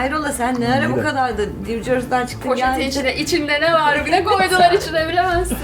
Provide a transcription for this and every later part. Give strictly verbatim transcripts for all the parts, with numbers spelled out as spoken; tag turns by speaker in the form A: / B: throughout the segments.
A: hayrola sen ne ara bu kadar da New Jersey'den çıktın
B: Poşetin
A: geldin?
B: içine, içinde ne var bile koydular içine bilemezsin.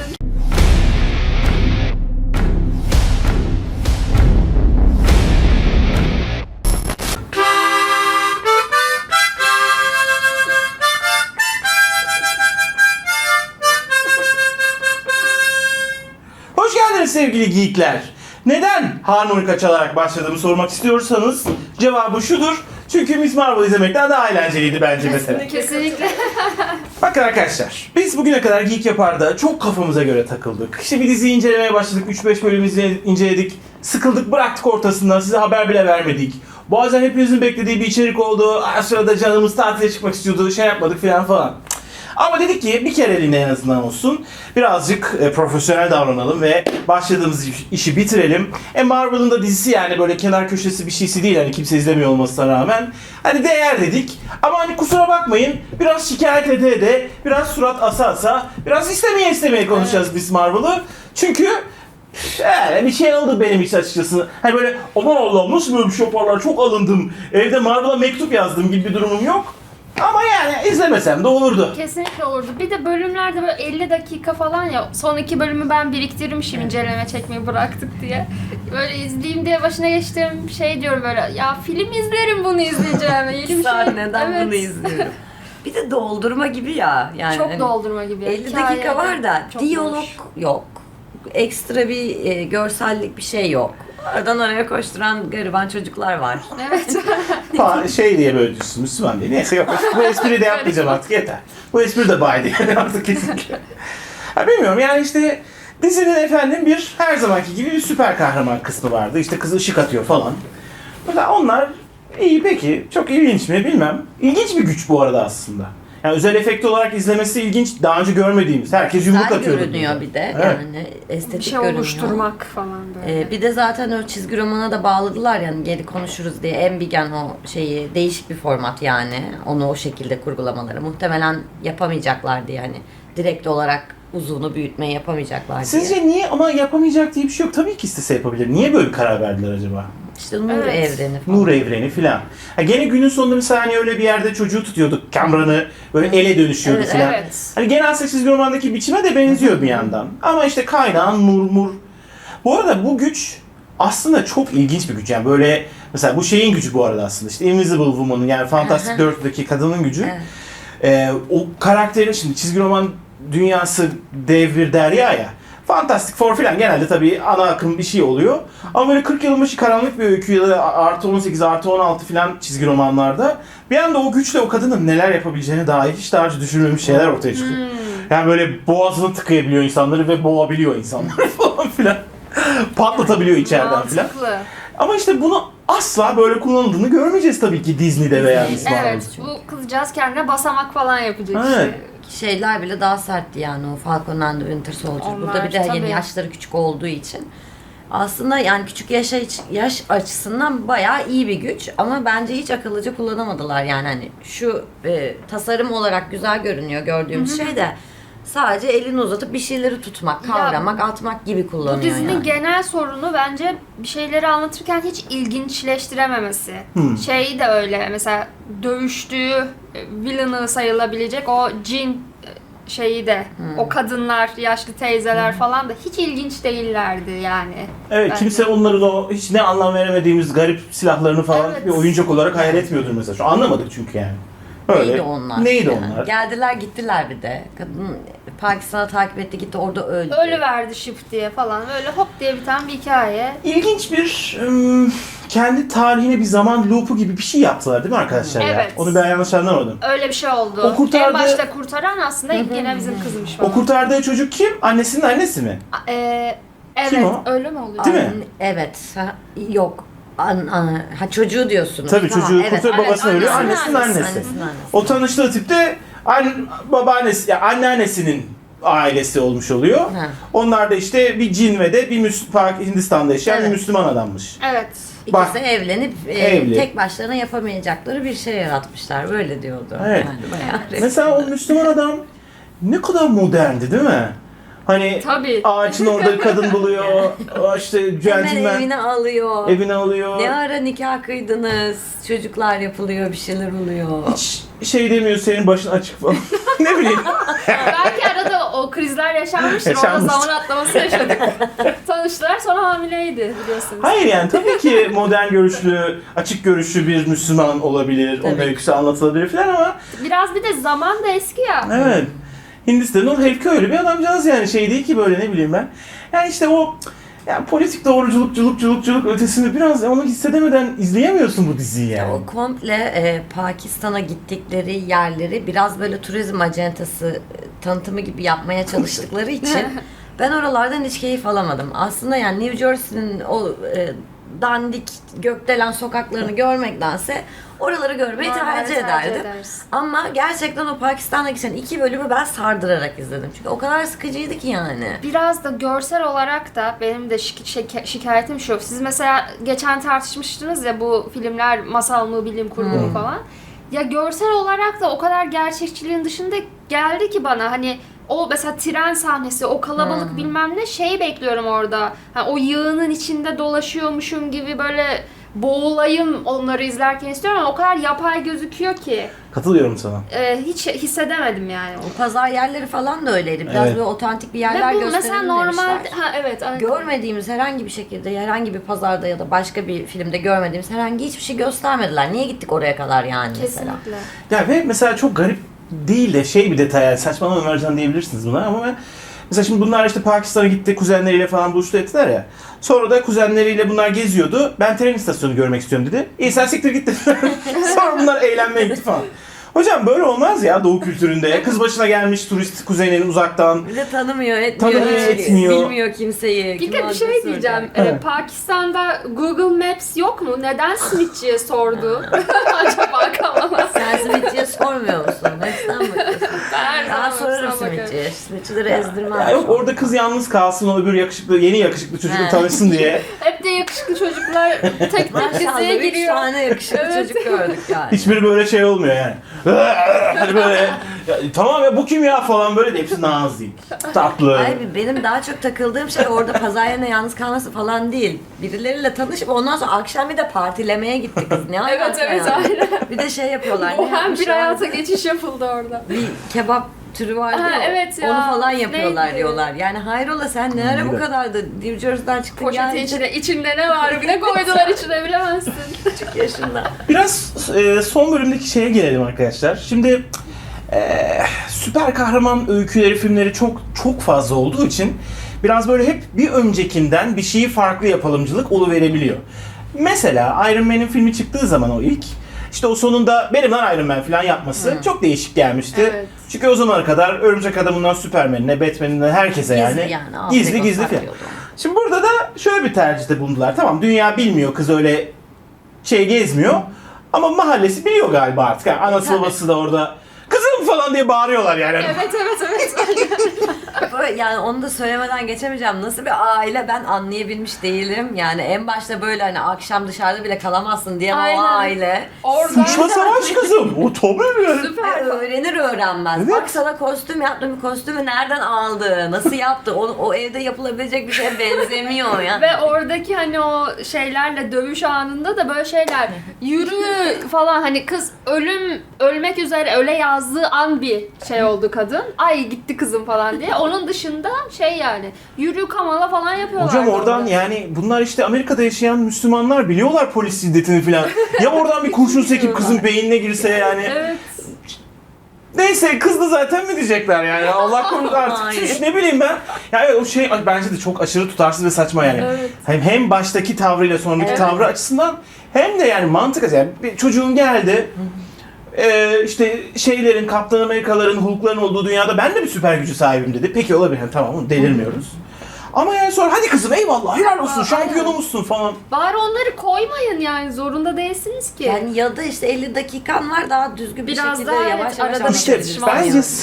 C: Hoş geldiniz sevgili geekler. Neden harmonika çalarak başladığımı sormak istiyorsanız cevabı şudur. Çünkü Miss Marvel izlemekten daha eğlenceliydi bence mesela.
B: Kesinlikle.
C: Bakın arkadaşlar, biz bugüne kadar Geek Yapar'da çok kafamıza göre takıldık. İşte bir diziyi incelemeye başladık, üç beş bölüm izle- inceledik. Sıkıldık, bıraktık ortasından, size haber bile vermedik. Bazen hepinizin beklediği bir içerik oldu, ara sırada canımız tatile çıkmak istiyordu, şey yapmadık falan falan. Ama dedik ki bir kereliğine en azından olsun. Birazcık e, profesyonel davranalım ve başladığımız iş- işi bitirelim. E Marvel'ın da dizisi yani böyle kenar köşesi bir şeysi değil hani kimse izlemiyor olmasına rağmen. Hani değer dedik. Ama hani kusura bakmayın biraz şikayet ede ede, biraz surat asa asa, biraz istemeye istemeye konuşacağız biz Marvel'ı. Çünkü yani bir şey oldu benim için açıkçası. Hani böyle aman Allah'ım nasıl böyle bir şey yaparlar çok alındım. Evde Marvel'a mektup yazdım gibi bir durumum yok. Ama yani izlemesem de olurdu.
B: Kesinlikle olurdu. Bir de bölümlerde böyle elli dakika falan ya. Son iki bölümü ben biriktirmişim inceleme çekmeyi bıraktık diye. Böyle izleyeyim diye başına geçtiğim şey diyorum böyle ya film izlerim bunu izleyeceğim. Yeni bir
A: Sen
B: şey.
A: neden
B: Evet.
A: bunu izliyorum? Bir de doldurma gibi ya. Yani
B: Çok
A: hani
B: doldurma gibi.
A: elli
B: Hikaye
A: dakika var da
B: çok
A: diyalog
B: boş.
A: yok. Ekstra bir e, görsellik bir şey yok. Aradan oraya koşturan gariban çocuklar var.
B: Evet.
C: Fa- şey diye böyle düşsün, Müslüman diye. Neyse yok, bu espriyi de yapmayacağım artık yeter. Bu espri de bay diye artık kesinlikle. Ha, bilmiyorum yani işte dizinin efendim bir her zamanki gibi bir süper kahraman kısmı vardı. İşte kız ışık atıyor falan. Mesela onlar iyi peki, çok ilginç mi bilmem. İlginç bir güç bu arada aslında. Yani özel efekt olarak izlemesi ilginç, daha önce görmediğimiz. Herkes yumruk
A: Güzel
C: atıyor.
A: görünüyor bir de.
C: Evet.
A: Yani estetik
B: Bir şey
A: görünüyor.
B: oluşturmak falan böyle.
A: Ee, bir de zaten o çizgi romana da bağladılar yani geri konuşuruz diye. Enbigen o şeyi değişik bir format yani. Onu o şekilde kurgulamaları. Muhtemelen yapamayacaklar diye hani direkt olarak uzunu büyütmeyi yapamayacaklar diye.
C: Sizce niye ama yapamayacak diye bir şey yok. Tabii ki istese yapabilir. Niye böyle bir karar verdiler acaba?
A: İşte Nur
B: Evet.
A: evreni falan.
C: Nur evreni filan. Ha, gene günün sonunda mesela hani öyle bir yerde çocuğu tutuyorduk. Cameron'ı böyle ele dönüşüyordu
A: Evet,
C: filan.
B: evet.
C: Hani genel çizgi romandaki biçime de benziyor bir yandan. Ama işte kaynağın nur mur. Bu arada bu güç aslında çok ilginç bir güç. Yani böyle mesela bu şeyin gücü bu arada aslında. İşte Invisible Woman'ın yani Fantastic dörtteki kadının gücü.
A: Evet.
C: Ee, o karakterin şimdi çizgi roman dünyası dev bir derya ya. Fantastic Four filan genelde tabii ana akım bir şey oluyor. Ama böyle kırk yılın başı karanlık bir öykü ya da artı on sekiz, artı on altı filan çizgi romanlarda bir anda o güçle o kadının neler yapabileceğine dair hiç daha önce düşünülmemiş şeyler ortaya çıkıyor. Yani böyle boğazını tıkayabiliyor insanları ve boğabiliyor insanları falan filan. Patlatabiliyor içeriden filan.
B: Mantıklı.
C: Ama işte bunu asla böyle kullanıldığını görmeyeceğiz tabii ki Disney'de veya Miss Marvel'da.
B: Evet. Bu kızcağız kendine basamak falan yapacak
C: Evet.
B: işte.
A: Şeyler bile daha sertti yani o Falcon and the Winter Soldier.
B: Onlar,
A: Burada bir de
B: tabii.
A: yeni yaşları küçük olduğu için. Aslında yani küçük yaşa, yaş açısından bayağı iyi bir güç ama bence hiç akıllıca kullanamadılar yani hani şu e, tasarım olarak güzel görünüyor gördüğümüz şey de sadece elini uzatıp bir şeyleri tutmak,
B: Ya,
A: kavramak, atmak gibi kullanıyor
B: Bu dizinin
A: yani.
B: genel sorunu bence bir şeyleri anlatırken hiç ilginçleştirememesi.
C: Hmm.
B: Şeyi de öyle mesela dövüştüğü e, villain'ı sayılabilecek o Jean e, şeyi de o kadınlar, yaşlı teyzeler falan da hiç ilginç değillerdi yani.
C: Evet,
B: Bence.
C: kimse onların o hiç ne anlam veremediğimiz garip silahlarını falan
B: Evet.
C: bir oyuncak olarak hayal etmiyordur mesela. Şu anlamadık çünkü yani. Öyle.
A: Neydi onlar?
C: Neydi
A: yani.
C: onlar?
A: Geldiler gittiler bir de. Kadın Pakistan'a takip etti gitti orada öldü.
B: Ölüverdi şıp diye falan böyle hop diye biten bir hikaye.
C: İlginç bir ım, kendi tarihine bir zaman loopu gibi bir şey yaptılar değil mi arkadaşlar ya?
B: Evet.
C: Onu ben yanlış anlamadım.
B: Öyle bir şey oldu.
C: O kurtardı-
B: En başta kurtaran aslında yine bizim kızmış falan.
C: O kurtardığı çocuk kim? Annesinin annesi mi?
B: Ee, evet,
C: Kim o?
B: öyle mi oluyor?
C: Değil mi?
A: An- Evet. Ha, yok. An, an, ha çocuğu diyorsunuz.
C: Tabii
A: Tamam,
C: çocuğu
A: evet.
C: kurtarıp
B: Evet,
C: babasını ölüyor.
B: annesinin
C: Annesinin
B: annesi.
C: annesi.
A: Annesinin annesi.
C: O tanıştığı tip de an, babaannesi, yani anneannesinin ailesi olmuş oluyor.
A: Ha.
C: Onlar da işte bir cin ve de bir Müslüman, Hindistan'da yaşayan
A: Evet.
C: bir Müslüman adammış.
B: Evet.
A: İkisi
C: Bak-
A: evlenip e,
C: Evli.
A: tek başlarına yapamayacakları bir şey yaratmışlar. Böyle diyordu.
C: Evet.
A: Yani bayağı
C: Mesela o Müslüman adam ne kadar moderndi değil mi? Hani
B: Tabii.
C: ağaçın orada kadın buluyor. O işte
A: Hemen
C: centilmen
A: evine alıyor.
C: evine alıyor.
A: Ne ara nikah kıydınız? Çocuklar yapılıyor, bir şeyler oluyor.
C: Hiç şey demiyor, senin başın açık falan. Ne bileyim.
B: Belki arada o krizler yaşanmıştır. Orada
C: Yaşanmıştır.
B: zaman atlaması yaşadık. Tanıştılar sonra hamileydi biliyorsunuz.
C: Hayır yani tabii ki modern görüşlü, açık görüşlü bir Müslüman olabilir. Onun
A: Tabii.
C: öyküsü anlatılabilir falan ama
B: Biraz bir de zaman da eski ya.
C: evet. Hindistan'ın o Hefke öyle bir adamcağız yani şey değil ki böyle ne bileyim ben. Yani işte o yani politik doğruculuk, culuk, culuk, culuk ötesini biraz onu hissedemeden izleyemiyorsun bu diziyi yani.
A: O komple e, Pakistan'a gittikleri yerleri biraz böyle turizm acentası e, tanıtımı gibi yapmaya çalıştıkları için ben oralardan hiç keyif alamadım. Aslında yani New Jersey'nin o e, dandik gökdelen sokaklarını görmektense oraları görmeyi
B: Normalde
A: tercih ederdim.
B: edersin.
A: Ama gerçekten o Pakistan'a geçen iki bölümü ben sardırarak izledim. Çünkü o kadar sıkıcıydı ki yani.
B: Biraz da görsel olarak da benim de şik- şik- şikayetim şu. Siz mesela geçen tartışmıştınız ya bu filmler masal mı, bilim kurgu mu
A: Hmm.
B: falan. Ya görsel olarak da o kadar gerçekçiliğin dışında geldi ki bana hani o mesela tren sahnesi, o kalabalık
A: Hmm.
B: bilmem ne şeyi bekliyorum orada. Ha, o yığının içinde dolaşıyormuşum gibi böyle boğulayım onları izlerken istiyorum ama o kadar yapay gözüküyor ki
C: Katılıyorum sana.
B: e, hiç hissedemedim yani.
A: O pazar yerleri falan da öyleydi. Biraz
C: Evet.
A: böyle otantik bir yerler
B: Ve bu mesela
A: gösterelim
B: normal
A: demişler.
B: ha evet aynen.
A: Görmediğimiz herhangi bir şekilde herhangi bir pazarda ya da başka bir filmde görmediğimiz herhangi hiçbir şey göstermediler. Niye gittik oraya kadar yani mesela?
B: Kesinlikle.
C: Ya ve mesela çok garip değil de şey bir detay yani saçmalama Ömercan diyebilirsiniz buna ama ben mesela şimdi bunlar işte Pakistan'a gitti kuzenleriyle falan buluştu ettiler ya. Sonra da kuzenleriyle bunlar geziyordu. Ben tren istasyonu görmek istiyorum dedi. İyi sen siktir git dedi. Sonra bunlar eğlenmeye gitti falan. Hocam böyle olmaz ya doğu kültüründe. Kız başına gelmiş turist kuzeninin uzaktan.
A: Bir de tanımıyor, etmiyor,
C: Tanımıyor,
A: hiç
C: etmiyor.
A: bilmiyor kimseyi.
B: Bir
A: kim
B: de bir
A: olduğunu
B: şey
A: soracak.
B: diyeceğim.
C: Evet.
B: Ee, Pakistan'da Google Maps yok mu? Neden Smith'ciye sordu? Acaba Kamal'a.
A: Sen Smith'ciye sormuyor musun? Neden bakıyorsun?
B: Ben
A: Ben sorarım
B: Smith'e bakarım.
A: Smith'ciye. Smith'çileri ezdirmem.
C: Ya yok orada kız yalnız kalsın o öbür yakışıklı yeni yakışıklı çocukla
A: He.
C: tanışsın diye.
B: Hep de yakışıklı çocuklar tek tek
A: Maşallah
B: diziye
A: üç
B: giriyor.
A: tane yakışıklı
B: Evet.
A: çocuk gördük yani.
C: Hiçbiri böyle şey olmuyor yani. Hani böyle ya, tamam ya bu kim ya falan böyle de hepsi nazik, tatlı.
A: Ay, benim daha çok takıldığım şey orada pazar yerine yalnız kalması falan değil. Birileriyle tanışıp ondan sonra akşam bir de partilemeye gitti kız. Ne
B: Evet
A: alaka
B: evet
A: yani?
B: aynen.
A: Bir de şey yapıyorlar.
B: O
A: ne
B: hem bir
A: yapmışlar?
B: hayata geçiş yapıldı orada.
A: Bir kebap türü vardı
B: Ha,
A: ya,
B: evet ya.
A: onu falan yapıyorlar
B: Neydi?
A: diyorlar. Yani hayrola sen ne ara
C: Neydi?
A: bu kadar da New Jersey'den çıktın
B: Poşetin
A: geldin
B: içine, içinde ne var? Ne koydular içine bilemezsin.
A: küçük yaşında.
C: Biraz e, son bölümdeki şeye gelelim arkadaşlar. Şimdi e, süper kahraman öyküleri, filmleri çok çok fazla olduğu için biraz böyle hep bir öncekinden bir şeyi farklı yapalımcılık oluverebiliyor. Mesela Iron Man'in filmi çıktığı zaman o ilk işte o sonunda benim lan Iron Man falan yapması çok değişik gelmişti.
B: Evet.
C: Çünkü o zamana kadar Örümcek Adam'ından Superman'ine, Batman'inden herkese yani,
A: Gizli yani. alt
C: gizli
A: ego
C: gizli falan.
A: saklıyordu.
C: Şimdi burada da şöyle bir tercihte bulundular. Tamam dünya bilmiyor kız öyle şey gezmiyor. Ama mahallesi biliyor galiba artık. Yani anası
A: Tabii.
C: babası da orada kızım falan diye bağırıyorlar yani.
B: Evet evet evet.
A: Böyle, yani onu da söylemeden geçemeyeceğim. Nasıl bir aile ben anlayabilmiş değilim. Yani en başta böyle hani akşam dışarıda bile kalamazsın diye o
B: Aynen.
A: aile.
B: Orada
C: Sıçma savaş kızım. O tabii yani.
A: Ve
B: süper.
A: öğrenir öğrenmez.
C: Evet.
A: Bak sana kostüm yaptım. Kostümü nereden aldı? Nasıl yaptı? O, o evde yapılabilecek bir şeye benzemiyor ya.
B: Ve oradaki hani o şeylerle dövüş anında da böyle şeyler yürü falan hani kız ölüm ölmek üzere öle yazdığı an bir şey oldu kadın. Ay gitti kızım falan diye. Onun dışında şey yani yürü Kamala falan yapıyorlar.
C: Hocam oradan
B: orada.
C: yani bunlar işte Amerika'da yaşayan Müslümanlar biliyorlar polis şiddetini falan. Ya oradan bir kurşun sekip kızın beynine girse yani.
B: Evet.
C: Neyse kız da zaten mi diyecekler yani Allah korusun artık
A: Hayır.
C: Şuş, ne bileyim ben. Yani o şey bence de çok aşırı tutarsız ve saçma yani.
B: Evet.
C: Hem, hem baştaki tavrıyla sonraki
A: Evet.
C: tavrı açısından hem de yani mantık yani bir çocuğun geldi e, işte şeylerin Kaptan Amerikaların Hulk'ların olduğu dünyada ben de bir süper gücü sahibim dedi. Peki olabilir yani, tamam delirmiyoruz. Ama yani sonra hadi kızım eyvallah helal olsun
B: Aa,
C: şampiyonumuzsun falan.
B: Bari onları koymayın yani zorunda değilsiniz ki.
A: Yani ya da işte elli dakikan var daha düzgün bir
B: Biraz
A: şekilde
B: daha
A: yavaş
B: evet,
A: yavaş
B: arada bir
C: İşte
B: tartışma
A: anlatabilirsin
C: bence
A: yani.
C: sırf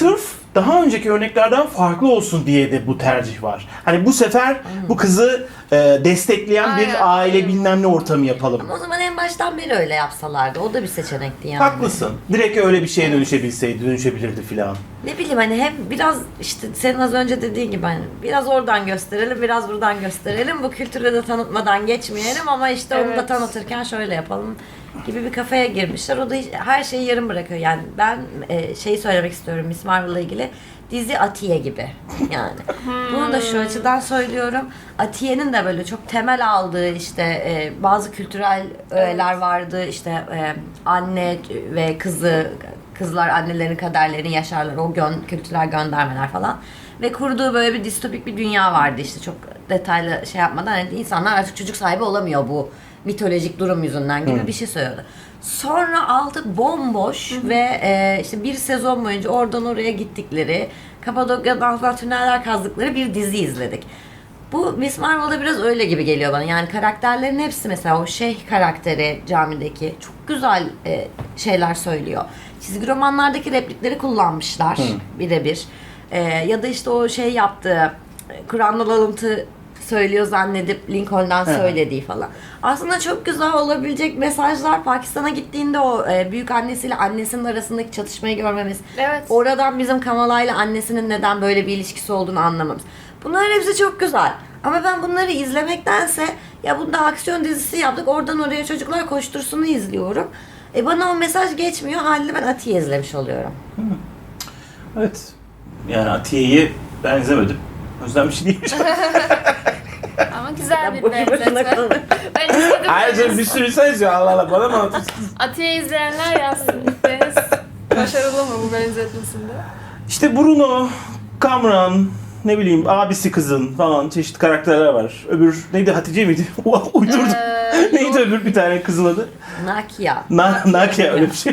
C: daha önceki örneklerden farklı olsun diye de bu tercih var. Hani bu sefer bu kızı e, destekleyen bir
B: Aynen.
C: aile bilmem ne ortamı yapalım.
A: Ama o zaman en baştan beri öyle yapsalardı. O da bir seçenekti yani.
C: Haklısın. Direkt öyle bir şeye dönüşebilseydi, dönüşebilirdi filan.
A: Ne bileyim hani hem biraz işte senin az önce dediğin gibi hani biraz oradan gösterelim, biraz buradan gösterelim. Bu kültürü de tanıtmadan geçmeyelim ama işte onu da
B: Evet.
A: tanıtırken şöyle yapalım gibi bir kafaya girmişler. O da hiç- her şeyi yarım bırakıyor. Yani ben e, şeyi söylemek istiyorum Miss Marvel'la ilgili. Dizi Atiye gibi yani. Bunu da şu açıdan söylüyorum. Atiye'nin de böyle çok temel aldığı işte e, bazı kültürel öğeler vardı. İşte e, anne ve kızı, kızlar annelerin kaderlerini yaşarlar. O gön, kültürel göndermeler falan. Ve kurduğu böyle bir distopik bir dünya vardı işte çok detaylı şey yapmadan. Yani insanlar artık çocuk sahibi olamıyor bu mitolojik durum yüzünden gibi bir şey söylüyordu. Sonra aldı bomboş ve e, işte bir sezon boyunca oradan oraya gittikleri, Kapadokya'dan falan tüneller kazdıkları bir dizi izledik. Bu Miss Marvel'da biraz öyle gibi geliyor bana. Yani karakterlerin hepsi mesela o şeyh karakteri camideki çok güzel e, şeyler söylüyor. Çizgi romanlardaki replikleri kullanmışlar birebir. E, ya da işte o şey yaptığı Kur'an'dan alıntı söylüyor zannedip Lincoln'dan söylediği falan. Aslında çok güzel olabilecek mesajlar. Pakistan'a gittiğinde o e, büyük annesiyle annesinin arasındaki çatışmayı görmemiz.
B: Evet.
A: Oradan bizim Kamala ile annesinin neden böyle bir ilişkisi olduğunu anlamamız. Bunların hepsi çok güzel. Ama ben bunları izlemektense ya bunda aksiyon dizisi yaptık. Oradan oraya çocuklar koştursunu izliyorum. E bana o mesaj geçmiyor. Haliyle ben Atiye izlemiş oluyorum.
C: Evet. Yani Atiye'yi ben izlemedim. O yüzden bir şey diyemeyeceğim.
B: Ama güzel bir
A: Boşu boşuna
B: benzetme.
A: kalın.
B: Ben izledim.
C: Ayrıca bir sürü insan izliyor. Allah Allah bana mı anlatıyorsun?
B: Atiye izleyenler yazsın. Deniz başarılı mı bu benzetmesinde?
C: İşte Bruno, Kamran, ne bileyim abisi kızın falan çeşitli karakterler var. Öbür neydi Hatice miydi? Uydurdum.
B: Ee,
C: Neydi öbür bir tane kızın adı?
A: Nakia.
C: Na Nakia öyle bir şey.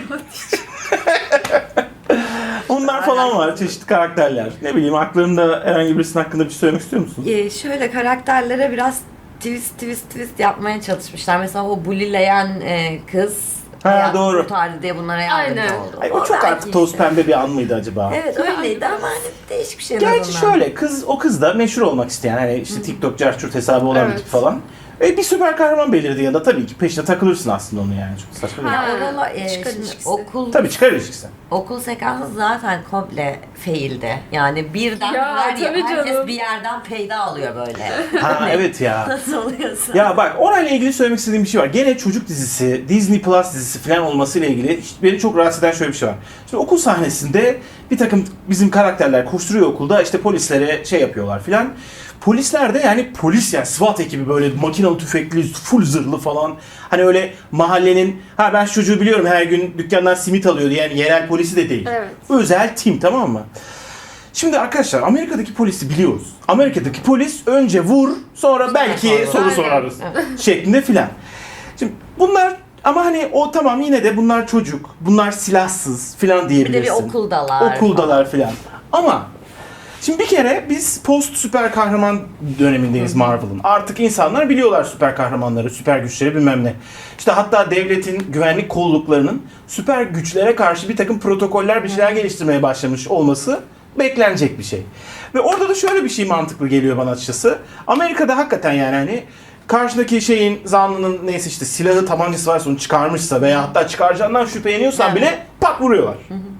C: Onlar falan var çeşitli karakterler. Ne bileyim aklında herhangi birisinin hakkında bir şey söylemek istiyor musun?
A: Ee, şöyle karakterlere biraz twist twist twist yapmaya çalışmışlar. Mesela o bulileyen e, kız
C: Ha,
A: hayat
C: doğru.
A: kurtardı diye bunlara yardımcı
B: Aynen.
A: oldu.
C: Ay, o çok
A: belki
C: artık toz
A: işte-
C: pembe bir an mıydı acaba?
A: Evet öyleydi ama hani değişik bir şey. en
C: Gerçi
A: azından.
C: şöyle kız o kız da meşhur olmak isteyen hani işte TikTok carçurt hesabı olan bir
B: Evet.
C: tip falan. E, bir süper kahraman belirdi ya da tabii ki peşine takılırsın aslında onu yani çok saçma değil.
B: Ha.
A: Ya oralar e,
B: Çıkar
A: şimdi
B: ilişkisi.
A: okul
C: Tabii çıkar ilişkisi.
A: okul sekansı zaten komple faildi. Yani birden
B: Ya,
A: her,
B: tabii
A: herkes
B: canım.
A: bir yerden peyda alıyor böyle.
C: Ha evet ya.
A: Nasıl oluyorsa.
C: Ya bak orayla ilgili söylemek istediğim bir şey var. Gene çocuk dizisi, Disney Plus dizisi falan olmasıyla ilgili işte beni çok rahatsız eden şöyle bir şey var. Şimdi okul sahnesinde bir takım bizim karakterler koşturuyor okulda işte polislere şey yapıyorlar filan. Polisler de yani polis yani SWAT ekibi böyle makinalı tüfekli, full zırhlı falan. Hani öyle mahallenin ha ben şu çocuğu biliyorum her gün dükkandan simit alıyordu yani yerel polisi de değil.
B: Evet.
C: Özel tim tamam mı? Şimdi arkadaşlar Amerika'daki polisi biliyoruz. Amerika'daki polis önce vur sonra belki
A: Aynen.
C: soru sorarız şeklinde filan. Şimdi bunlar ama hani o tamam yine de bunlar çocuk, bunlar silahsız filan
A: Bir
C: diyebilirsin.
A: de bir okuldalar.
C: Okuldalar filan. Ama şimdi bir kere biz post süper kahraman dönemindeyiz Marvel'ın. Artık insanlar biliyorlar süper kahramanları, süper güçleri bilmem ne. İşte hatta devletin güvenlik kolluklarının süper güçlere karşı bir takım protokoller bir şeyler geliştirmeye başlamış olması beklenecek bir şey. Ve orada da şöyle bir şey mantıklı geliyor bana açıkçası. Amerika'da hakikaten yani hani karşıdaki şeyin zanlının neyse işte silahı tabancası varsa onu çıkarmışsa veya hatta çıkaracağından şüpheleniyorsan
A: Evet.
C: bile pat vuruyorlar.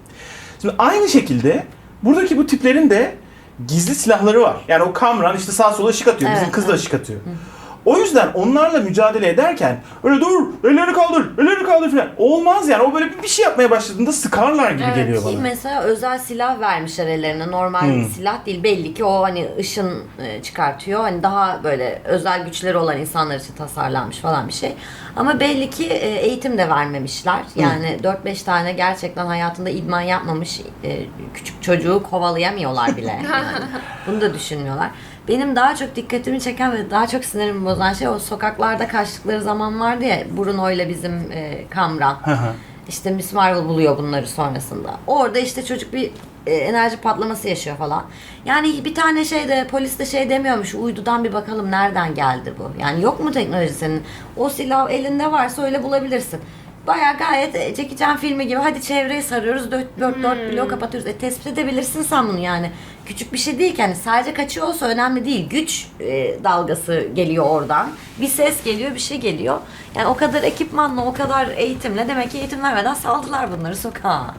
C: Şimdi aynı şekilde buradaki bu tiplerin de gizli silahları var. Yani o Kamran işte sağa sola ışık atıyor. Bizim
A: Evet,
C: kız da
A: evet.
C: ışık atıyor. O yüzden onlarla mücadele ederken öyle dur, ellerini kaldır, ellerini kaldır falan. Olmaz yani. O böyle bir şey yapmaya başladığında sıkarlar gibi
B: Evet,
C: geliyor
A: Ki
C: bana.
A: mesela özel silah vermişler ellerine. Normal
C: Hmm.
A: bir silah değil. Belli ki o hani ışın e, çıkartıyor. Hani daha böyle özel güçleri olan insanlar için tasarlanmış falan bir şey. Ama belli ki e, eğitim de vermemişler. Yani dört beş tane gerçekten hayatında idman yapmamış e, küçük çocuğu kovalayamıyorlar bile. Yani. Bunu da düşünmüyorlar. Benim daha çok dikkatimi çeken ve daha çok sinirimi bozan şey o sokaklarda kaçtıkları zaman vardı ya Bruno ile bizim e, Kamran.
C: Hı hı.
A: İşte Miss Marvel buluyor bunları sonrasında. Orada işte çocuk bir e, enerji patlaması yaşıyor falan. Yani bir tane şey de polis de şey demiyormuş. Uydudan bir bakalım nereden geldi bu. Yani yok mu teknoloji senin? O silah elinde varsa öyle bulabilirsin. bayağı gayet Jackie Chan filmi gibi. Hadi çevreyi sarıyoruz, dört, dört, dört
B: Hmm.
A: bloğu kapatıyoruz. E, tespit edebilirsin sen bunu yani. Küçük bir şey değil ki. Hani sadece kaçıyor olsa önemli değil. Güç e, dalgası geliyor oradan. Bir ses geliyor, bir şey geliyor. Yani o kadar ekipmanla, o kadar eğitimle demek ki eğitim vermeden saldılar bunları sokağa.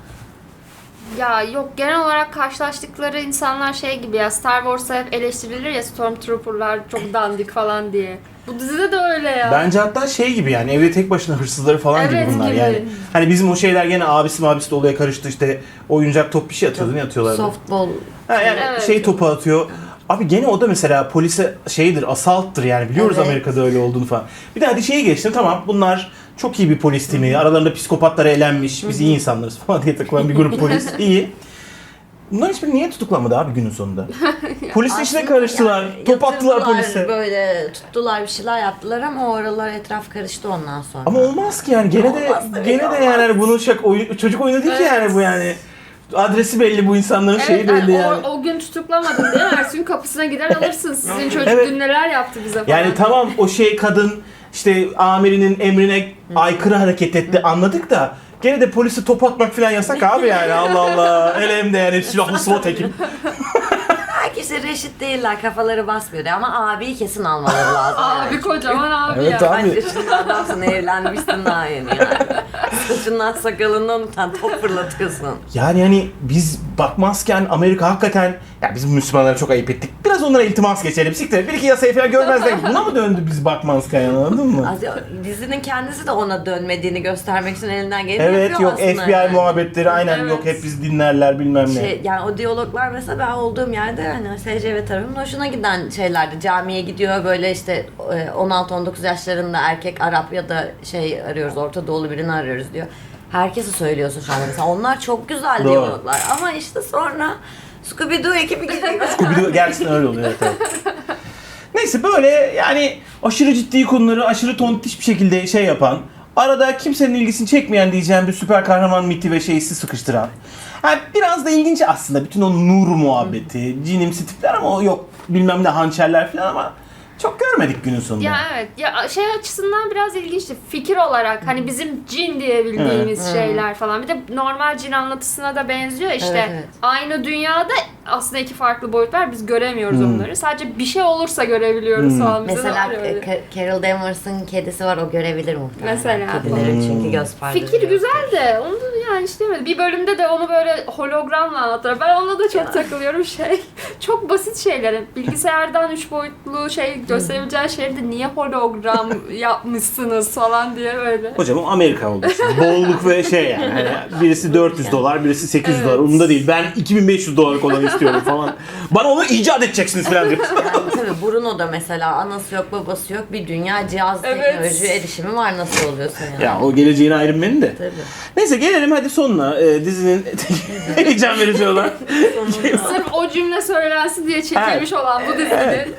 B: Ya yok, genel olarak karşılaştıkları insanlar şey gibi ya, Star Wars'a hep eleştirilir ya, Stormtrooper'lar çok dandik falan diye. Bu dizide de öyle ya.
C: Bence hatta şey gibi yani evde tek başına hırsızları falan
B: Evet,
C: gibi bunlar
B: gibi.
C: yani. Hani bizim o şeyler gene abisi mabisi de olaya karıştı, işte oyuncak top bir şey atıyordu, ne atıyorlardı?
A: Softball.
C: Ha, yani
B: Evet.
C: şey topu atıyor. Abi gene o da mesela polise şeydir, asalttır yani, biliyoruz
A: Evet.
C: Amerika'da öyle olduğunu falan. Bir de hadi şeye geçtim, tamam bunlar çok iyi bir polis timi, aralarında psikopatlara elenmiş, biz iyi insanlarız falan diye takılan bir grup polis, iyi. Bunlar hiçbiri niye tutuklanmadı abi günün sonunda? Polisin içine
A: Aslında
C: karıştılar,
A: yani
C: top attılar
A: yatırdılar,
C: polise.
A: Böyle tuttular, bir şeyler yaptılar ama o aralar etraf karıştı ondan sonra.
C: Ama olmaz ki yani, gene de
A: Olmaz tabii,
C: gene de
A: olmaz.
C: yani hani bunun şak oyun, çocuk oyunu değil ki
B: Evet.
C: yani bu yani. Adresi belli bu insanların,
B: Evet,
C: şeyi belli
B: yani
C: yani.
B: o, o gün tutuklamadın değil mi? Ertesi gün kapısına gider alırsın. Sizin çocuk
C: Evet.
B: dün neler yaptı bize falan.
C: Yani tamam o şey kadın işte amirinin emrine aykırı hareket etti, anladık da gene de polise top atmak falan yasak abi yani, Allah Allah. Hele hem de yani silahlı SWAT ekip.
A: Herkese reşit değiller, kafaları basmıyor diye. Ama abiyi kesin almaları lazım.
B: Abi
A: yani.
B: kocaman abi
C: Evet
B: ya.
C: abi.
A: Kaç yaşında adamsın, evlenmişsin daha yeni yani. Saçından sakalından utan, top fırlatıyorsun.
C: Yani hani biz bakmazken Amerika hakikaten, ya biz Müslümanlara çok ayıp ettik. Biraz onlara iltimas geçelim. Siktir. Bir iki yasayı falan görmezler. Buna mı döndü biz bakmazken, anladın mı?
A: Az- Dizinin kendisi de ona dönmediğini göstermek için elinden geleni
C: Evet,
A: yapıyor
C: yok
A: aslında.
C: F B I
A: yani.
C: muhabbetleri aynen,
B: Evet.
C: yok hep biz dinlerler bilmem ne.
A: Şey, yani o diyaloglar mesela ben olduğum yerde hani S C V tarafımın hoşuna giden şeylerdi. Camiye gidiyor böyle işte on altı on dokuz yaşlarında erkek Arap ya da şey arıyoruz, Orta Doğulu birini arıyoruz diyor. Herkesi söylüyorsun şu anda mesela. Onlar çok güzel
C: Doğru.
A: diyaloglar ama işte sonra Scooby-Doo ekibi gidiyor.
C: Scooby-Doo gerçekten öyle oluyor, evet, evet. Neyse böyle yani aşırı ciddi konuları aşırı tontiş bir şekilde şey yapan, arada kimsenin ilgisini çekmeyen diyeceğim bir süper kahraman miti ve şeysi sıkıştıran. Yani biraz da ilginç aslında bütün o nur muhabbeti, cinimsi tipler ama o yok bilmem ne hançerler falan ama çok görmedik günün sonunda.
B: Ya evet. Ya şey açısından biraz ilginçti. Fikir olarak hani bizim cin diyebildiğimiz
A: Evet.
B: şeyler falan. Bir de normal cin anlatısına da benziyor işte.
A: Evet, evet.
B: Aynı dünyada aslında iki farklı boyut var. Biz göremiyoruz
C: Hmm.
B: onları. Sadece bir şey olursa görebiliyoruz
C: Hmm.
B: falan. Bize de
A: Mesela
B: var öyle.
A: Ka- Carol Danvers'ın kedisi var, o görebilir muhtemelen.
B: Mesela.
A: Kedilerin
C: Hmm.
A: çünkü göz perdesi.
B: Fikir güzel de onu da yani işte demedim. Bir bölümde de onu böyle hologramla anlattılar. Ben ona da çok
A: Ya.
B: takılıyorum şey. Çok basit şeyler. Bilgisayardan üç boyutlu şey gösterebileceğin şeyde niye hologram yapmışsınız falan diye böyle.
C: Hocam o Amerika olduğu için. Bolluk ve şey yani. Hani birisi dört yüz dolar, birisi sekiz yüz
B: Evet.
C: dolar. Umurumda değil. Ben iki bin beş yüz dolarlık olanı istiyorum falan. Bana onu icat edeceksiniz falan diyor.
A: Yani tabii Bruno da mesela anası yok babası yok, bir dünya cihaz
B: Evet.
A: teknoloji erişimi var, nasıl oluyorsun yani.
C: Ya o geleceğin Iron Man'i de.
A: Tabii.
C: Neyse gelelim hadi sonuna. Ee, dizinin heyecan verici olan.
B: Sırf o cümle söylensin diye çekilmiş olan bu dizinin.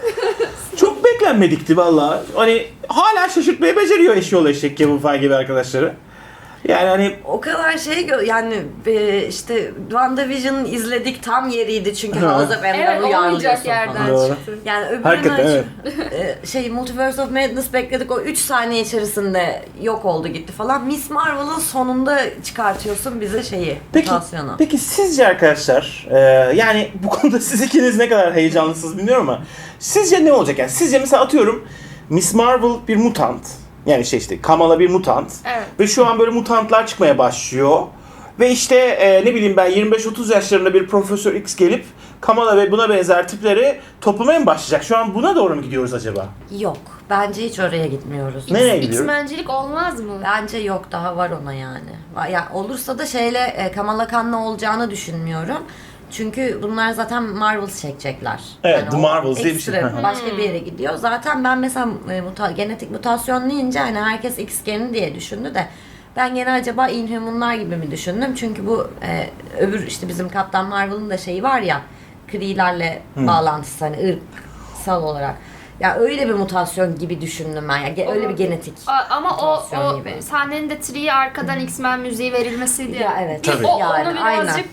C: Çok beklenmedikti valla. Hani hala şaşırtmayı beceriyor eşyol eşek Kevin Feige gibi arkadaşları. Yani hani
A: O kadar şey gö- yani e, işte WandaVision'ı izledik, tam yeriydi çünkü
C: Ha.
A: House of M'den
B: Evet, olmayacak
A: uyarlıyorsun
B: yerden
A: falan.
C: Doğru.
B: çıktı.
A: Yani öbürünü
C: Hakikaten,
A: açıp, e, şey Multiverse of Madness bekledik, o üç saniye içerisinde yok oldu gitti falan. Miss Marvel'ın sonunda çıkartıyorsun bize şeyi,
C: Peki,
A: mutasyonu.
C: peki sizce arkadaşlar, e, yani bu konuda siz ikiniz ne kadar heyecanlısınız bilmiyorum ama sizce ne olacak yani? Sizce mesela atıyorum Miss Marvel bir mutant, yani şey işte Kamala bir mutant
B: Evet.
C: ve şu an böyle mutantlar çıkmaya başlıyor ve işte e, ne bileyim ben yirmi beş otuz yaşlarında bir Profesör X gelip Kamala ve buna benzer tipleri toplamaya mı başlayacak? Şu an buna doğru mu gidiyoruz acaba?
A: Yok. Bence hiç oraya gitmiyoruz.
C: Nereye gidiyoruz?
B: X-Men'cilik olmaz mı?
A: Bence yok, daha var ona yani. Va- Ya olursa da şeyle e, Kamala Khan'la olacağını düşünmüyorum. Çünkü bunlar zaten Marvels çekecekler.
C: Evet, The
A: o
C: Marvels diye bir şey.
A: ekstra
C: Hı hı.
A: başka bir yere gidiyor. Zaten ben mesela e, muta- genetik mutasyon deyince hani herkes X geni diye düşündü de ben gene acaba Inhumanlar gibi mi düşündüm? Çünkü bu e, öbür işte bizim Kaptan Marvel'ın da şeyi var ya, Kree'lerle bağlantısı hani ırksal olarak. Ya öyle bir mutasyon gibi düşündüm ben ya. Ge- Öyle bir genetik.
B: A- Ama o,
A: mutasyon
B: o
A: gibi.
B: sahnenin de Tree'ye arkadan X-Men müziği verilmesiydi.
A: Ya evet.
B: Bir
C: Tabii.
B: O,
A: Yani,
B: onu
A: aynen.
B: birazcık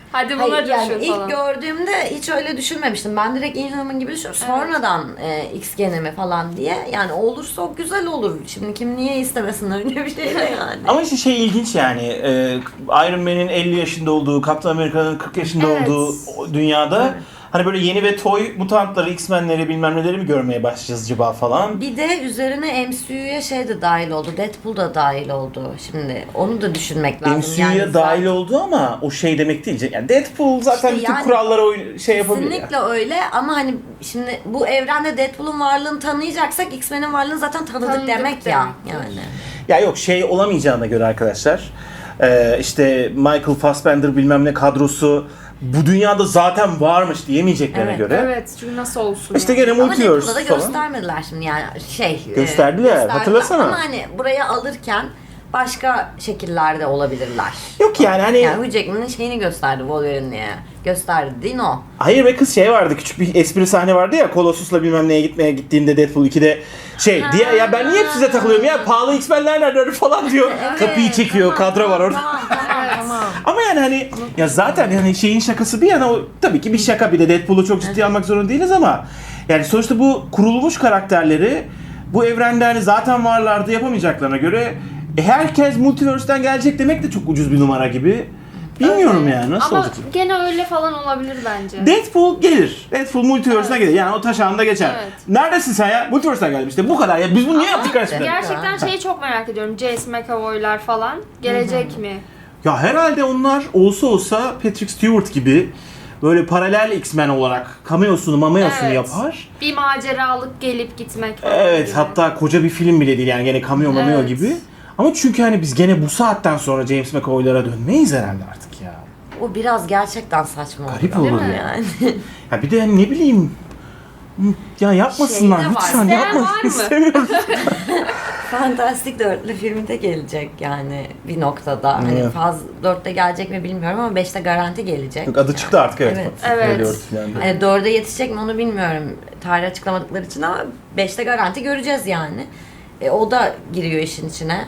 B: Hadi buna
A: Hayır, yani
B: coşun
A: ilk
B: falan.
A: gördüğümde hiç öyle düşünmemiştim. Ben direkt Inhuman gibi düşünüyorum. Sonradan e, X genemi falan diye. Yani olursa o güzel olur. Şimdi kim niye istemesin öyle bir şey de yani.
C: Ama işte şey ilginç yani e, Iron Man'in elli yaşında olduğu, Captain America'nın kırk yaşında
B: Evet.
C: olduğu o dünyada
A: Evet.
C: hani böyle yeni ve toy mutantları, X-Men'leri bilmem neleri mi görmeye başlayacağız acaba falan.
A: Bir de üzerine M C U'ya şey de dahil oldu. Deadpool da dahil oldu. Şimdi onu da düşünmek lazım.
C: M C U'ya
A: Yani
C: dahil
A: zaten-
C: oldu ama o şey demek değil. Yani Deadpool zaten
A: İşte
C: bütün
A: yani
C: kurallara oy- şey yapabilir.
A: Kesinlikle
C: Yani.
A: öyle ama hani şimdi bu evrende Deadpool'un varlığını tanıyacaksak X-Men'in varlığını zaten tanıdık,
B: Tanıdık
A: demek ya.
B: demektir.
A: Yani.
C: Ya yok şey olamayacağına göre arkadaşlar. e, işte Michael Fassbender bilmem ne kadrosu bu dünyada zaten varmış diyemeyeceklerine
A: Evet,
C: göre.
B: Evet, çünkü nasıl olsun
C: İşte
B: yani.
C: gene
A: Ama
C: multiverse
A: Deadpool'da da
C: falan.
A: göstermediler şimdi yani şey. e,
C: Gösterdiler, hatırlasana.
A: Ama hani buraya alırken başka şekillerde olabilirler.
C: Yok yani hani
A: Yani Hugh Jackman'ın şeyini gösterdi Wolverine diye. Gösterdi değil mi o?
C: hayır be kız şey vardı küçük bir espri sahne vardı ya Colossus'la bilmem neye gitmeye gittiğinde Deadpool ikide şey
A: Ha.
C: diye ya ben niye hep size takılıyorum ya pahalı X-Men'ler nerede falan diyor. Kapıyı çekiyor
A: tamam,
C: kadro var orada.
A: Tamam tamam tamam.
C: Ama yani hani ya zaten yani şeyin şakası bir yana o tabii ki bir şaka bir de Deadpool'u çok ciddiye almak zorunda değiliz ama yani sonuçta bu kurulmuş karakterleri bu evrende hani zaten varlardı yapamayacaklarına göre e, herkes multiverse'den gelecek demek de çok ucuz bir numara gibi. Bilmiyorum
B: Öyle.
C: yani nasıl
B: Ama
C: olacak.
B: gene öyle falan olabilir bence.
C: Deadpool gelir. Deadpool multiverse'ına
B: Evet.
C: gelir. Yani o taş ağında geçer.
B: Evet.
C: Neredesin sen ya? Multiverse'den geldim işte. Bu kadar ya. Biz bunu niye
B: Ama
C: yaptık kardeşim?
B: Gerçekten şeyi çok merak ediyorum. Jace McAvoy'lar falan gelecek mi?
C: Ya herhalde onlar olsa olsa Patrick Stewart gibi böyle paralel X-Men olarak cameosunu mameosunu
B: Evet.
C: yapar.
B: Bir maceralık gelip gitmek falan
C: Evet
B: gibi.
C: hatta koca bir film bile değil yani gene cameo mameo
B: Evet.
C: gibi. Ama çünkü hani biz gene bu saatten sonra James McAvoy'lara dönmeyiz herhalde artık ya.
A: O biraz gerçekten saçma oldu.
C: Garip
B: Değil
C: olur
B: mi?
C: ya.
A: Yani.
C: Ya bir de hani ne bileyim ya yapmasınlar
A: Şey de var,
C: lütfen
B: isteyen
C: yapmayın
B: var mı?
C: istemiyorum.
A: Fantastic Dörtlü filmi de gelecek yani bir noktada. Hani
C: Evet.
A: faz dörtte gelecek mi bilmiyorum ama beşte garanti gelecek.
C: Yok adı çıktı artık evet.
A: Evet.
C: Öyle
B: Evet.
C: örtülendi.
A: Hani dörde yetişecek mi onu bilmiyorum. Tarih açıklamadıkları için ama beşte garanti göreceğiz yani. E, o da giriyor işin içine.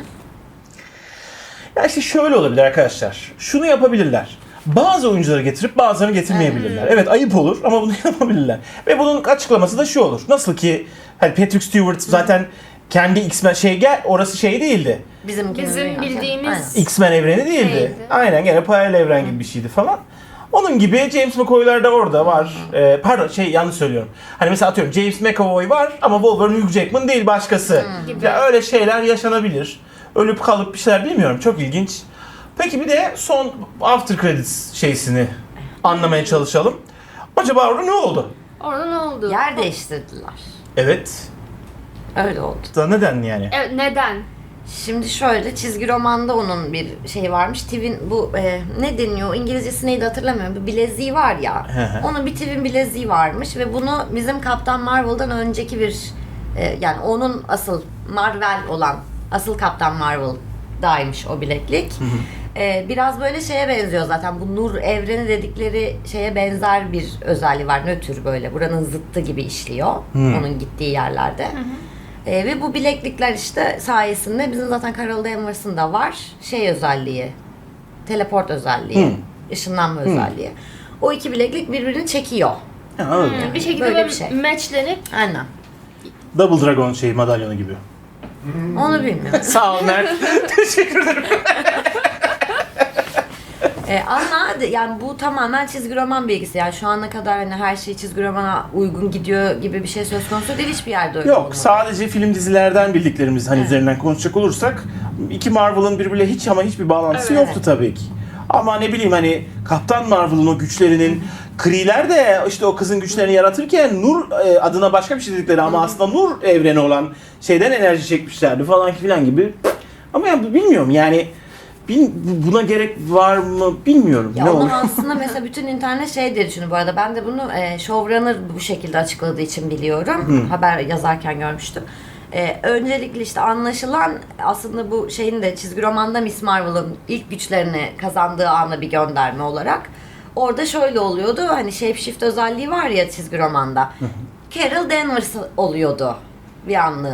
C: Ya işte şöyle olabilir arkadaşlar. Şunu yapabilirler. Bazı oyuncuları getirip bazılarını getirmeyebilirler. Evet ayıp olur ama bunu yapabilirler. Ve bunun açıklaması da şu olur. Nasıl ki hani Patrick Stewart zaten kendi X-Men şey gel orası şey değildi.
A: Bizim,
B: Bizim bildiğimiz-
C: X-Men evreni değildi.
B: Değildi.
C: Aynen gene paralel evren gibi bir şeydi falan. Onun gibi James McAvoy'lar da orada var. Ee, pardon şey yanlış söylüyorum. Hani mesela atıyorum James McAvoy var ama Wolverine Hugh Jackman değil başkası.
B: Gibi.
C: Ya öyle şeyler yaşanabilir. Ölüp kalıp bir şeyler bilmiyorum. Çok ilginç. Peki bir de son after credits şeysini anlamaya çalışalım. Acaba orada ne oldu?
B: Orada ne oldu?
A: Yer değiştirdiler.
C: Evet.
A: Öyle oldu.
C: Da neden yani?
B: Evet, neden?
A: Şimdi şöyle çizgi romanda onun bir şey varmış. Tivin bu e, ne deniyor? İngilizcesi neydi hatırlamıyorum. Bu bileziği var ya.
C: Hı hı.
A: Onun bir Tivin bileziği varmış ve bunu bizim Kaptan Marvel'dan önceki bir e, yani onun asıl Marvel olan asıl Kaptan Marvel'daymış o bileklik. E, biraz böyle şeye benziyor zaten. Bu nur evreni dedikleri şeye benzer bir özelliği var. Nötr böyle. Buranın zıttı gibi işliyor.
C: Hmm.
A: Onun gittiği yerlerde. E, ve bu bileklikler işte sayesinde bizim zaten Carol Danvers'ın da var şey özelliği, teleport özelliği,
C: Hmm.
A: ışınlanma özelliği. O iki bileklik birbirini çekiyor.
C: Ha, anladım.
B: Hmm, bir şekilde
A: Böyle
B: böyle
A: bir şey.
B: matchlenip
A: Aynen.
C: Double Dragon şey madalyonu gibi.
A: Onu bilmiyorum.
C: Sağ ol Mert. Teşekkür ederim.
A: e, ama de- yani bu tamamen çizgi roman bilgisi. Yani şu ana kadar hani her şey çizgi romana uygun gidiyor gibi bir şey söz konusu değil hiçbir yerde öyle
C: Yok
A: olmadı.
C: sadece film dizilerden bildiklerimiz hani üzerinden konuşacak olursak iki Marvel'ın birbiriyle hiç ama hiçbir bağlantısı
B: Evet.
C: yoktu tabii ki. Ama ne bileyim hani Kaptan Marvel'ın o güçlerinin Kree'ler de işte o kızın güçlerini yaratırken Nur e, adına başka bir şey dedikleri ama aslında Nur evreni olan şeyden enerji çekmişlerdi falan filan gibi. Ama ya bilmiyorum yani bil- buna gerek var mı bilmiyorum.
A: Ya
C: ne
A: onu
C: olur.
A: aslında mesela bütün internet şey diye düşünüyor bu arada. Ben de bunu e, showrunner bu şekilde açıkladığı için biliyorum. Haber yazarken görmüştüm. E, öncelikle işte anlaşılan aslında bu şeyin de çizgi romanda Miss Marvel'ın ilk güçlerini kazandığı ana bir gönderme olarak. Orada şöyle oluyordu. Hani shapeshift özelliği var ya çizgi romanda. Carol Danvers oluyordu bir anlığına.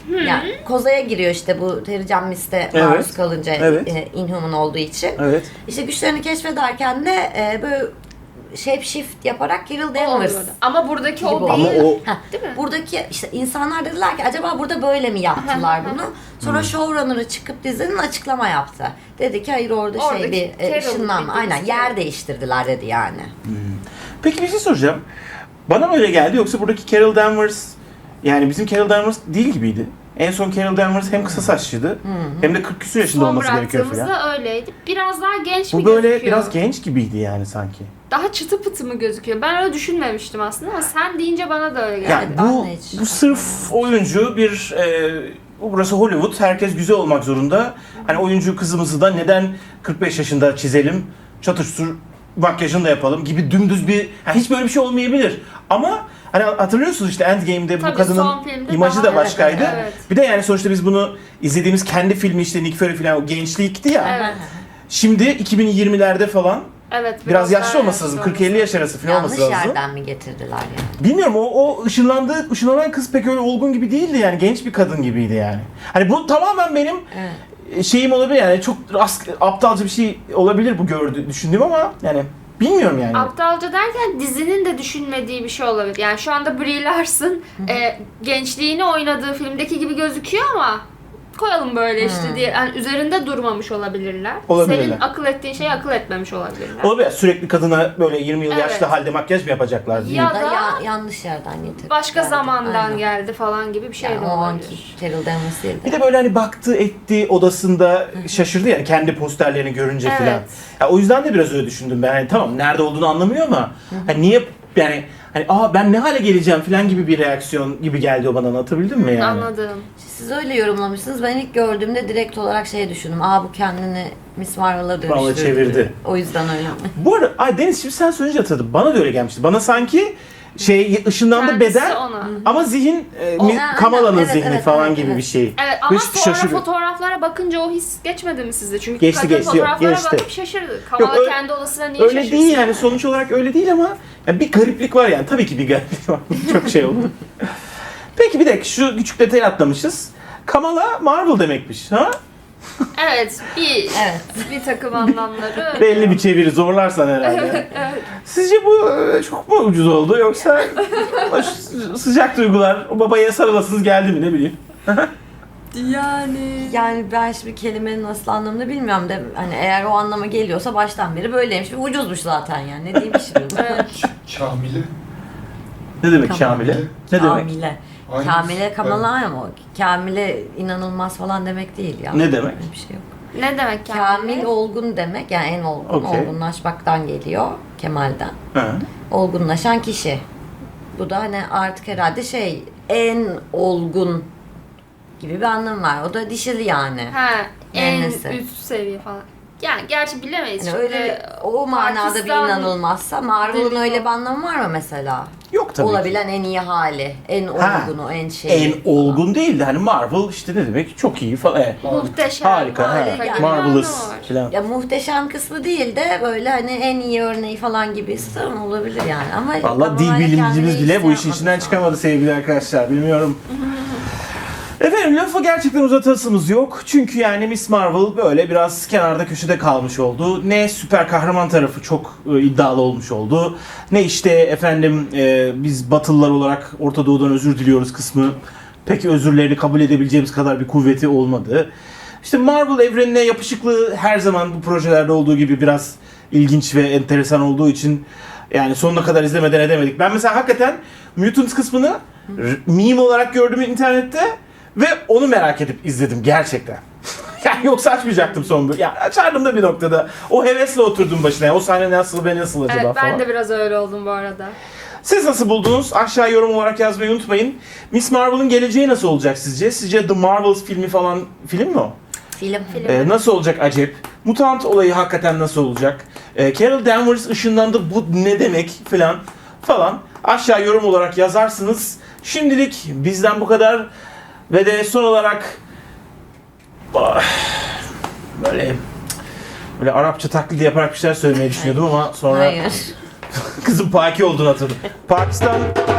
A: Yani kozaya giriyor işte bu Terry Mist'e
C: Evet.
A: maruz kalınca
C: Evet.
A: e, Inhuman olduğu için.
C: Evet.
A: İşte güçlerini keşfederken de e, böyle shape shift yaparak Carol
B: O
A: Danvers.
B: oluyordu. Ama buradaki
A: Gibi
B: o
A: oldu.
B: değil.
C: Ama o
A: Heh,
B: Değil mi?
A: buradaki işte insanlar dediler ki acaba burada böyle mi yaptılar bunu? Sonra
C: Hmm.
A: showrunner'ı çıkıp dizinin açıklama yaptı. Dedi ki hayır orada şey
B: Oradaki
A: bir e,
B: Carol'ın
A: ışınlanma. Aynen
B: bildiğimiz
A: yer
B: Carol.
A: değiştirdiler dedi yani.
C: Peki bir şey soracağım. Bana mı öyle geldi yoksa buradaki Carol Danvers yani bizim Carol Danvers değil gibiydi. En son Carol Danvers hem kısa saçlıydı hem de kırk küsur yaşında
B: Son
C: olması gerekiyor falan.
B: bıraktığımızda öyleydi. Biraz daha genç
C: Bu
B: mi
C: böyle
B: gözüküyor?
C: biraz genç gibiydi yani sanki.
B: Daha çıtı pıtı mı gözüküyor? Ben öyle düşünmemiştim aslında ama sen deyince bana da öyle geldi.
C: Yani
A: ben
C: bu
A: de hiç-
C: bu sırf oyuncu bir e, burası Hollywood, herkes güzel olmak zorunda. Hani oyuncu kızımızı da neden kırk beş yaşında çizelim, çatır çutur makyajını da yapalım gibi dümdüz bir, yani hiç böyle bir şey olmayabilir. Ama hani hatırlıyorsunuz işte Endgame'de bu
B: Tabii,
C: kadının
B: son filmde
C: imajı
B: daha-
C: da başkaydı.
B: Evet, evet.
C: Bir de yani sonuçta biz bunu izlediğimiz kendi filmi işte Nick Fury falan o gençlikti ya.
B: Evet.
C: Şimdi iki bin yirmilerde falan
B: Evet.
C: biraz yaşlı
B: daha
C: olması lazım.
B: yaşlı
C: kırk elli yaş arası falan
A: Yanlış
C: olması lazım.
A: yerden mi getirdiler yani?
C: Bilmiyorum o, o ışınlandığı, ışınlanan kız pek öyle olgun gibi değildi yani genç bir kadın gibiydi yani. Hani bu tamamen benim
A: Evet.
C: şeyim olabilir yani çok rast, aptalca bir şey olabilir bu gördü düşündüğüm ama yani bilmiyorum yani.
B: Aptalca derken dizinin de düşünmediği bir şey olabilir. Yani şu anda Brie Larson e, gençliğini oynadığı filmdeki gibi gözüküyor ama koyalım böyle işte diye yani üzerinde durmamış olabilirler.
C: Olabilirler.
B: Senin akıl ettiğin şeyi akıl etmemiş olabilirler.
C: Olabilir sürekli kadına böyle yirmi yıl
B: Evet.
C: yaşlı halde makyaj mı yapacaklar diye.
B: Ya
A: Ya da
B: da
A: ya, yanlış yerden getirdiler.
B: Başka zamandan
A: Aynen.
B: geldi falan gibi bir şey
A: Yani
B: de
A: o anki
B: olabilir.
A: Carol Danvers değil de.
C: Bir de böyle hani baktı etti odasında şaşırdı yani kendi posterlerini görünce
B: Evet.
C: filan. Ya o yüzden de biraz öyle düşündüm ben. Hani tamam nerede olduğunu anlamıyor ama hani niye yani hani aa ben ne hale geleceğim filan gibi bir reaksiyon gibi geldi o bana, anlatabildim mi yani?
B: Anladım.
A: Siz öyle yorumlamışsınız. Ben ilk gördüğümde direkt olarak şey düşündüm. Aa bu kendini Miss Marvel'a
C: Vallahi
A: dönüştürdü.
C: çevirdi.
A: O yüzden öyle.
C: Bu arada ay Deniz şimdi sen söyleyince hatırladım. Bana da öyle gelmişti. Bana sanki şey ışınlandı
B: Kendisi
C: beden
B: ona.
C: ama zihin e,
A: O-
C: mi-
A: Ha,
C: Kamala'nın
A: evet,
C: zihni
A: evet,
C: falan
A: evet,
C: gibi
A: evet.
C: bir şey.
B: Evet ama
C: Hiç
B: sonra
C: şaşırıyor.
B: fotoğraflara bakınca o his geçmedi mi sizde? Çünkü
C: Geçti,
B: kadın
C: geçti, yok,
B: fotoğraflara
C: geçti.
B: bakıp şaşırdı. Kamala
C: öyle-
B: kendi odasına niye
C: Öyle
B: şaşırsın?
C: değil yani sonuç olarak öyle değil ama ya bir gariplik var yani. Tabii ki bir gariplik var. Çok şey oldu. Peki bir dakika şu küçük detayı atlamışız. Kamala Marvel demekmiş ha?
B: Evet, bir
A: Evet.
B: bir takım anlamları.
C: Belli bir çeviri zorlarsan herhalde. Sizce bu e, çok mu ucuz oldu yoksa o ş- sıcak duygular o babaya sarılasınız geldi mi ne bileyim.
B: Yani.
A: Yani ben şimdi kelimenin nasıl anlamını bilmiyorum da hani eğer o anlama geliyorsa baştan beri böyleymiş ve ucuzmuş zaten yani. Ne diyeyim şimdi?
B: Evet.
D: Kamil'i.
C: Ne demek
A: Tamam.
C: Kamile? Ne demek?
A: Kamile.
D: Aynısı.
A: Kamile Kamala ama Kamile inanılmaz falan demek değil ya.
C: Ne demek?
A: Öyle bir şey yok.
B: Ne demek yani?
A: Kamil olgun demek yani en olgun,
C: Okey.
A: olgunlaşmaktan geliyor Kemal'den.
C: Ha.
A: Olgunlaşan kişi. Bu da hani artık herhalde şey en olgun gibi bir anlam var. O da dişili yani.
B: Ha, en
A: Neyse.
B: üst seviye falan. Yani gerçi bilemeyiz.
A: Yani
B: Şimdi
A: öyle o manada bir
B: Pakistan
A: inanılmazsa Marvel'ın
B: dili
A: öyle
B: o.
A: bir anlamı var mı mesela?
C: Yok tabii ki.
A: Olabilen en iyi hali, en
C: Ha,
A: olgunu, en şey.
C: En olgun değildi. Hani Marvel işte ne demek? Çok iyi falan. Evet.
B: muhteşem.
C: Harika. Ha.
A: harika gibi bir
C: Marvelous
B: anlamı var.
C: falan.
A: Ya muhteşem kısmı değil de böyle hani en iyi örneği falan gibi sanırım olabilir yani. Ama
C: Valla dil
A: Kamala'yla
C: bilimcimiz
A: kendine
C: bile
A: hiç
C: bu
A: şey
C: işin
A: yapmadı
C: içinden
A: şu an.
C: çıkamadı sevgili arkadaşlar. Bilmiyorum. Efendim lafı gerçekten uzatasımız yok. Çünkü yani Miss Marvel böyle biraz kenarda köşede kalmış oldu. Ne süper kahraman tarafı çok e, iddialı olmuş oldu. Ne işte efendim e, biz Batılılar olarak Orta Doğu'dan özür diliyoruz kısmı. Peki özürlerini kabul edebileceğimiz kadar bir kuvveti olmadı. İşte Marvel evrenine yapışıklığı her zaman bu projelerde olduğu gibi biraz ilginç ve enteresan olduğu için yani sonuna kadar izlemeden edemedik. Ben mesela hakikaten Mutants kısmını r- meme olarak gördüm internette ve onu merak edip izledim gerçekten. Yani yoksa açmayacaktım son bölüm. Yani açardım da bir noktada. O hevesle oturdum başına. Yani o sahne nasıl ve nasıl acaba
B: Evet ben
C: falan.
B: de biraz öyle oldum bu arada.
C: Siz nasıl buldunuz? Aşağı yorum olarak yazmayı unutmayın. Miss Marvel'ın geleceği nasıl olacak sizce? Sizce The Marvels filmi falan film mi o?
A: Film.
B: Film.
C: Ee, nasıl olacak acep? Mutant olayı hakikaten nasıl olacak? Ee, Carol Danvers ışınlandı bu ne demek falan falan. Aşağı yorum olarak yazarsınız. Şimdilik bizden bu kadar. Ve de son olarak ah, böyle böyle Arapça taklidi yaparak bir şeyler söylemeyi düşünüyordum ama sonra
A: Hayır.
C: kızım Paki olduğunu hatırladım. Pakistan